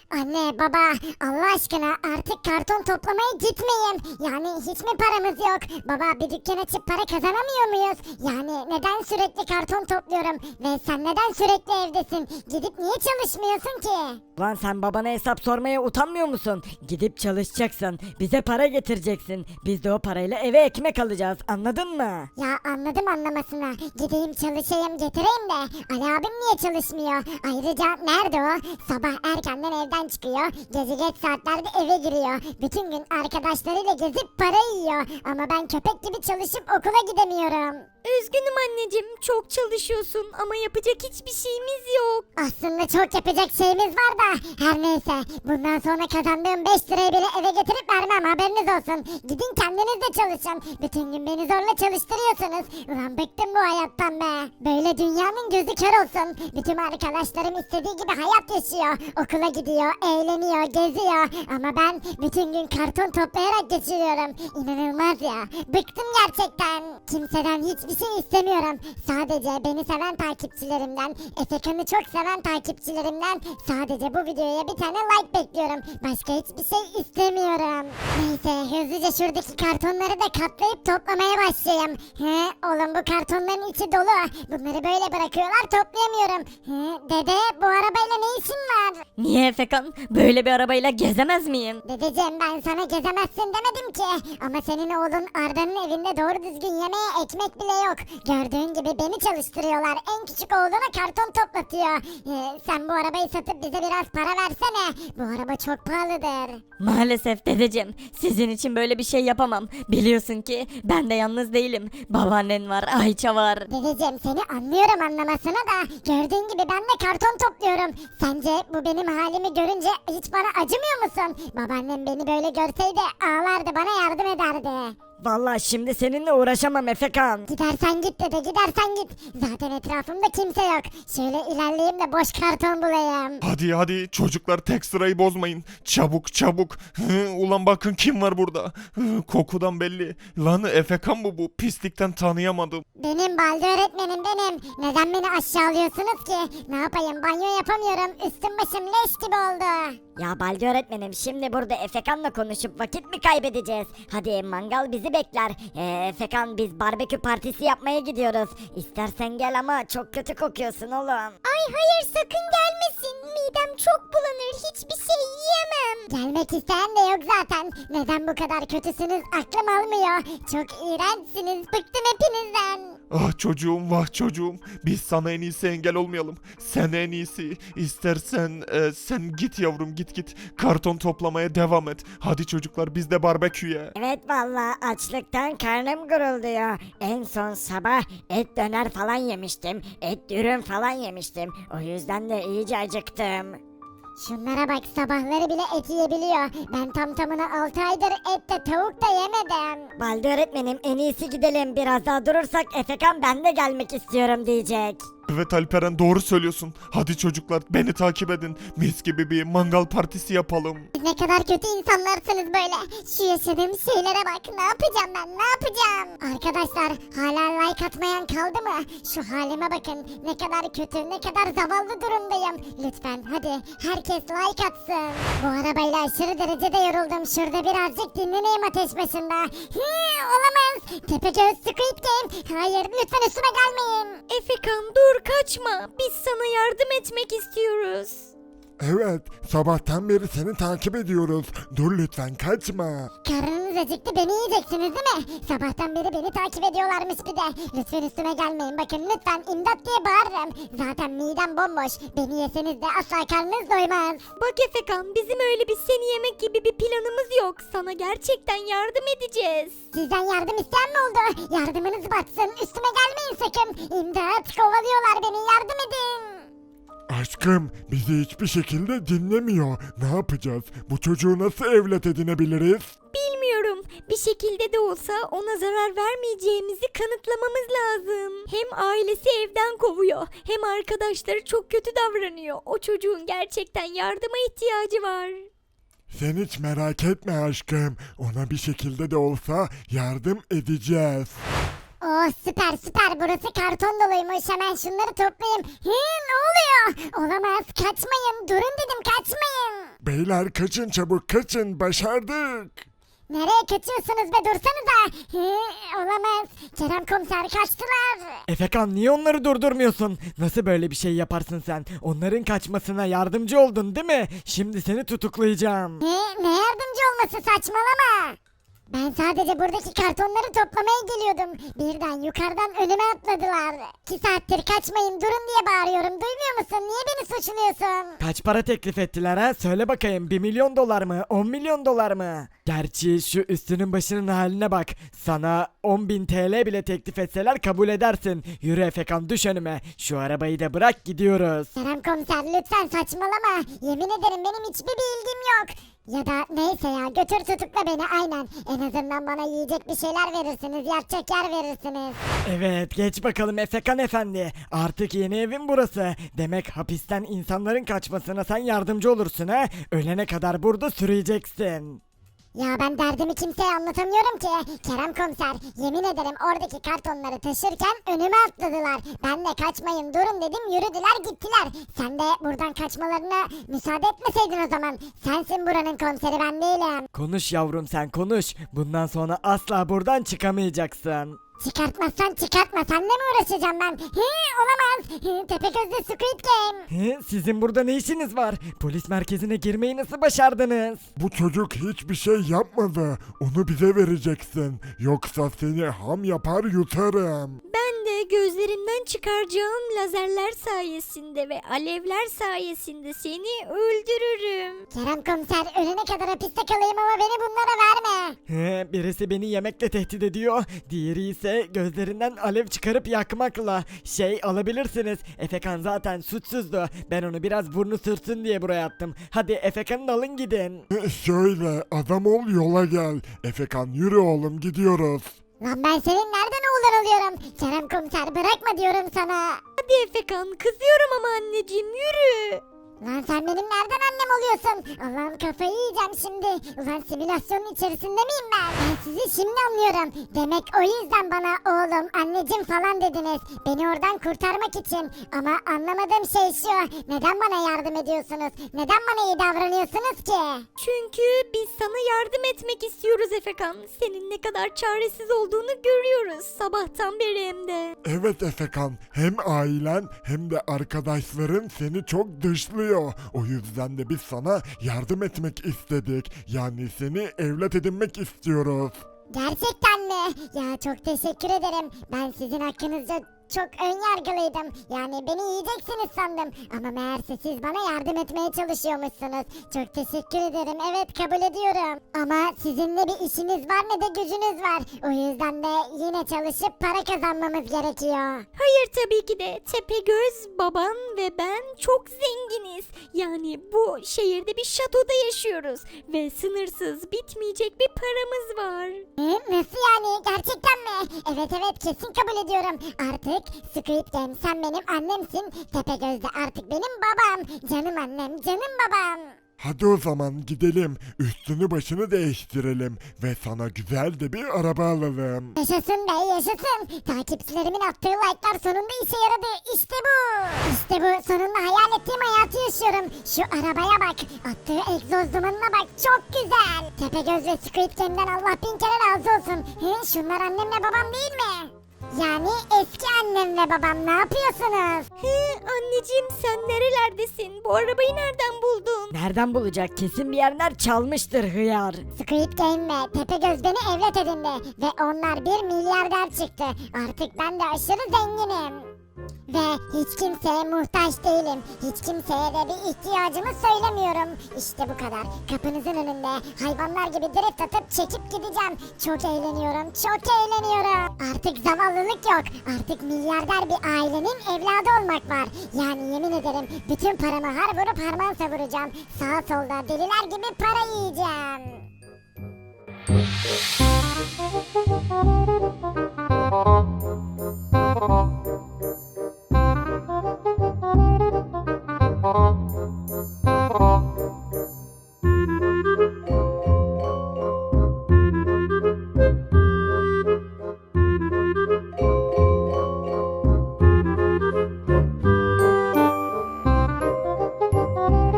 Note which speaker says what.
Speaker 1: Anne baba Allah aşkına artık karton toplamaya gitmeyin. Yani hiç mi paramız yok? Baba bir dükkan açıp para kazanamıyor muyuz? Yani neden sürekli karton topluyorum? Ve sen neden sürekli evdesin? Gidip niye çalışmıyorsun ki?
Speaker 2: Lan sen babana hesap sormaya utanmıyor musun? Gidip çalışacaksın. Bize para getireceksin. Biz de o parayla eve ekmek alacağız. Anladın mı?
Speaker 1: Ya anladım anlamasına. Gideyim çalışayım getireyim de. Ali abim niye çalışmıyor? Ayrıca nerede o? Sabah erkenden evden çıkıyor. Gece geç saatlerde eve giriyor. Bütün gün arkadaşlarıyla gezip para yiyor. Ama ben köpek gibi çalışıp okula gidemiyorum.
Speaker 3: Üzgünüm anneciğim, çok çalışıyorsun ama yapacak hiçbir şeyimiz yok.
Speaker 1: Aslında çok yapacak şeyimiz var da her neyse bundan sonra kazandığım 5 lirayı bile eve getirip vermem haberiniz olsun. Gidin kendiniz de çalışın. Bütün gün beni zorla çalıştırıyorsunuz. Ulan bıktım bu hayattan be. Böyle dünyanın gözü kör olsun. Bütün arkadaşlarım istediği gibi hayat yaşıyor. Okula gidiyor, eğleniyor, geziyor. Ama ben bütün gün karton toplayarak geçiriyorum. İnanılmaz ya. Bıktım gerçekten. Kimseden hiçbir şey istemiyorum. Sadece beni seven takipçilerimden, Efekan'ı çok seven takipçilerimden sadece bu videoya bir tane like bekliyorum. Başka hiçbir şey istemiyorum. Neyse hızlıca şuradaki kartonları da katlayıp toplamaya başlayayım. He oğlum bu kartonların içi dolu. Bunları böyle bırakıyorlar toplayamıyorum. He dede bu arabayla ne işin var?
Speaker 3: Niye Efekan? Böyle bir arabayla gezemez miyim?
Speaker 1: Dedeciğim ben sana gezemezsin demedim ki. Ama senin oğlun Arda'nın evinde doğru düzgün yemeğe ekmek bile yok. Gördüğün gibi beni çalıştırıyorlar. En küçük oğluna karton toplatıyor. Sen bu arabayı satıp bize biraz para versene. Bu araba çok pahalıdır.
Speaker 3: Maalesef dedeciğim, sizin için böyle bir şey yapamam. Biliyorsun ki ben de yalnız değilim. Babaannen var, Ayça var.
Speaker 1: Dedeciğim seni anlıyorum anlamasına da gördüğün gibi ben de karton topluyorum. Sence bu benim halimi görünce hiç bana acımıyor musun? Babaannem beni böyle görseydi ağlardı bana yardım ederdi.
Speaker 2: Vallahi şimdi seninle uğraşamam Efekan.
Speaker 1: Gidersen git dede gidersen git. Zaten etrafımda kimse yok. Şöyle ilerleyeyim de boş karton bulayım.
Speaker 4: Hadi çocuklar tek sırayı bozmayın. Çabuk çabuk. Ulan bakın kim var burada. Kokudan belli. Lan Efekan mı bu? Pislikten tanıyamadım.
Speaker 1: Benim Balde öğretmenim benim. Neden beni aşağılıyorsunuz ki? Ne yapayım banyo yapamıyorum. Üstüm başım leş gibi oldu.
Speaker 2: Ya Balcı öğretmenim şimdi burada Efekan'la konuşup vakit mi kaybedeceğiz? Hadi mangal bizi bekler. Efekan biz barbekü partisi yapmaya gidiyoruz. İstersen gel ama çok kötü kokuyorsun oğlum.
Speaker 1: Ay hayır sakın gelmesin. Midem çok bulanır. Hiçbir şey yiyemem. Gelmek isteyen de yok zaten. Neden bu kadar kötüsünüz aklım almıyor. Çok iğrençsiniz. Bıktım hepinizden.
Speaker 4: Ah çocuğum vah çocuğum. Biz sana en iyisi engel olmayalım. Sen en iyisi. İstersen sen git yavrum git. Karton toplamaya devam et. Hadi çocuklar biz de barbeküye.
Speaker 2: Evet vallahi açlıktan karnım gurulduyor. En son sabah et döner falan yemiştim. Et dürüm falan yemiştim. O yüzden de iyice acıktım.
Speaker 1: Şunlara bak sabahları bile et yiyebiliyor. Ben tam tamına 6 aydır et de tavuk da yemedim.
Speaker 2: Balcı öğretmenim en iyisi gidelim. Biraz daha durursak Efekan ben de gelmek istiyorum diyecek.
Speaker 4: Evet Alperen doğru söylüyorsun. Hadi çocuklar beni takip edin. Mis gibi bir mangal partisi yapalım.
Speaker 1: Siz ne kadar kötü insanlarsınız böyle. Şu yaşadığım şeylere bak. Ne yapacağım ben? Ne yapacağım? Arkadaşlar hala like atmayan kaldı mı? Şu halime bakın. Ne kadar kötü, ne kadar zavallı durumdayım. Lütfen hadi herkes like atsın. Bu arabayla aşırı derecede yoruldum. Şurada birazcık dinleneyim ateş başında. Olamaz. Tepegöz Squid Game. Hayır lütfen üstüme gelmeyin.
Speaker 3: Efekan dur, kaçma. Biz sana yardım etmek istiyoruz.
Speaker 5: Evet, sabahtan beri seni takip ediyoruz. Dur lütfen kaçma.
Speaker 1: Karnınız acıktı beni yiyeceksiniz değil mi? Sabahtan beri beni takip ediyorlarmış bir de. Lütfen üstüme gelmeyin bakın lütfen imdat diye bağırırım. Zaten midem bomboş. Beni yeseniz de asla karnınız doymaz.
Speaker 3: Bak Efekan, bizim öyle bir seni yemek gibi bir planımız yok. Sana gerçekten yardım edeceğiz.
Speaker 1: Sizden yardım isteyen mi oldu? Yardımınız batsın. Üstüme gelmeyin sakın. İmdat kovalıyorlar beni yardım edin.
Speaker 5: Aşkım, bizi hiçbir şekilde dinlemiyor. Ne yapacağız? Bu çocuğu nasıl evlat edinebiliriz?
Speaker 3: Bilmiyorum. Bir şekilde de olsa ona zarar vermeyeceğimizi kanıtlamamız lazım. Hem ailesi evden kovuyor, hem arkadaşları çok kötü davranıyor. O çocuğun gerçekten yardıma ihtiyacı var.
Speaker 5: Sen hiç merak etme aşkım. Ona bir şekilde de olsa yardım edeceğiz.
Speaker 1: Oh süper burası karton doluymuş hemen şunları toplayayım. Ne oluyor? Olamaz kaçmayın durun dedim kaçmayın.
Speaker 5: Beyler kaçın çabuk kaçın başardık.
Speaker 1: Nereye kaçıyorsunuz be, dursanıza. Olamaz. Kerem komiser kaçtılar.
Speaker 6: Efekan niye onları durdurmuyorsun? Nasıl böyle bir şey yaparsın sen? Onların kaçmasına yardımcı oldun değil mi? Şimdi seni tutuklayacağım.
Speaker 1: Ne yardımcı olması, saçmalama. Ben sadece buradaki kartonları toplamaya geliyordum. Birden yukarıdan önüme atladılar. 2 saattir kaçmayın durun diye bağırıyorum. Duymuyor musun? Niye beni suçluyorsun?
Speaker 6: Kaç para teklif ettiler ha? Söyle bakayım 1 milyon dolar mı? 10 milyon dolar mı? Gerçi şu üstünün başının haline bak. Sana 10.000 TL bile teklif etseler kabul edersin. Yürü Efekan düş önüme. Şu arabayı da bırak gidiyoruz.
Speaker 1: Kerem komiser lütfen saçmalama. Yemin ederim benim hiçbir bilgim yok. Ya da neyse ya, götür tutukla beni, aynen. En azından bana yiyecek bir şeyler verirsiniz, yatacak yer verirsiniz.
Speaker 6: Evet geç bakalım Efekan efendi. Artık yeni evin burası. Demek hapisten insanların kaçmasına sen yardımcı olursun ha? Ölene kadar burada sürüyeceksin.
Speaker 1: Ya ben derdimi kimseye anlatamıyorum ki. Kerem komiser, yemin ederim oradaki kartonları taşırken önüme atladılar. Ben de kaçmayın durun dedim, yürüdüler gittiler. Sen de buradan kaçmalarına müsaade etmeseydin o zaman. Sensin buranın komiseri, ben değilim.
Speaker 6: Konuş yavrum sen konuş. Bundan sonra asla buradan çıkamayacaksın.
Speaker 1: Çıkartmazsan çıkartma, seninle mi uğraşacağım ben? Olamaz. Tepegözlü Squid Game.
Speaker 6: Sizin burada ne işiniz var? Polis merkezine girmeyi nasıl başardınız?
Speaker 5: Bu çocuk hiçbir şey yapmadı. Onu bize vereceksin. Yoksa seni ham yapar yutarım.
Speaker 3: Ben de gözlerimden çıkaracağım lazerler sayesinde ve alevler sayesinde seni öldürürüm.
Speaker 1: Kerem komiser, ölene kadar hapiste kalayım ama beni bunlara verme.
Speaker 6: Birisi beni yemekle tehdit ediyor. Diğeri ise gözlerinden alev çıkarıp yakmakla. Alabilirsiniz. Efekan zaten suçsuzdu. Ben onu biraz burnu sürtsün diye buraya attım. Hadi Efekan'ı alın gidin.
Speaker 5: Şöyle adam ol yola gel. Efekan yürü oğlum gidiyoruz.
Speaker 1: Lan ben senin nereden oğlan oluyorum? Kerem komiser, bırakma diyorum sana.
Speaker 3: Hadi Efekan, kızıyorum ama anneciğim, yürü.
Speaker 1: Lan sen benim nereden annem oluyorsun? Allah'ım kafayı yiyeceğim şimdi. Ulan simülasyonun içerisinde miyim ben? Ben sizi şimdi anlıyorum. Demek o yüzden bana oğlum, anneciğim falan dediniz. Beni oradan kurtarmak için. Ama anlamadığım şey şu. Neden bana yardım ediyorsunuz? Neden bana iyi davranıyorsunuz ki?
Speaker 3: Çünkü biz sana yardım etmek istiyoruz Efekan. Senin ne kadar çaresiz olduğunu görüyoruz sabahtan beri hem de.
Speaker 5: Evet Efekan, hem ailen hem de arkadaşların seni çok dışlıyor. O yüzden de biz sana yardım etmek istedik. Yani seni evlat edinmek istiyoruz.
Speaker 1: Gerçekten mi? Ya çok teşekkür ederim. Ben sizin hakkınızda çok ön yargılıydım. Yani beni yiyeceksiniz sandım. Ama meğerse siz bana yardım etmeye çalışıyormuşsunuz. Çok teşekkür ederim. Evet, kabul ediyorum. Ama sizin ne bir işiniz var ne de gücünüz var. O yüzden de yine çalışıp para kazanmamız gerekiyor.
Speaker 3: Hayır, tabii ki de Tepegöz, baban ve ben çok zenginiz. Yani bu şehirde bir şatoda yaşıyoruz ve sınırsız bitmeyecek bir paramız var.
Speaker 1: Nasıl yani? Gerçekten mi? Evet evet, kesin kabul ediyorum. Artık Squid Game sen benim annemsin. Tepegöz de artık benim babam. Canım annem, canım babam.
Speaker 5: Hadi o zaman gidelim. Üstünü başını değiştirelim. Ve sana güzel de bir araba alalım.
Speaker 1: Yaşasın be, yaşasın. Takipçilerimin attığı like'lar sonunda işe yaradı. İşte bu. İşte bu. Sonunda hayal ettiğim hayatı yaşıyorum. Şu arabaya bak. Attığı egzoz dumanına bak. Çok güzel. Tepegöz ve Squid Game'den Allah bin kere razı olsun. Şunlar annemle babam değil mi? Yani eski annem ve babam, ne yapıyorsunuz?
Speaker 3: Anneciğim, sen nerelerdesin? Bu arabayı nereden buldun?
Speaker 2: Nereden bulacak? Kesin bir yerler çalmıştır hıyar.
Speaker 1: Squid Game ve Tepegöz beni evlat edindi. Ve onlar 1 milyarder çıktı. Artık ben de aşırı zenginim. Ve hiç kimseye muhtaç değilim. Hiç kimseye de bir ihtiyacımı söylemiyorum. İşte bu kadar. Kapınızın önünde hayvanlar gibi drift atıp çekip gideceğim. Çok eğleniyorum. Çok eğleniyorum. Artık zavallılık yok. Artık milyarder bir ailenin evladı olmak var. Yani yemin ederim bütün paramı har vurup harman savuracağım. Sağa solda deliler gibi para yiyeceğim.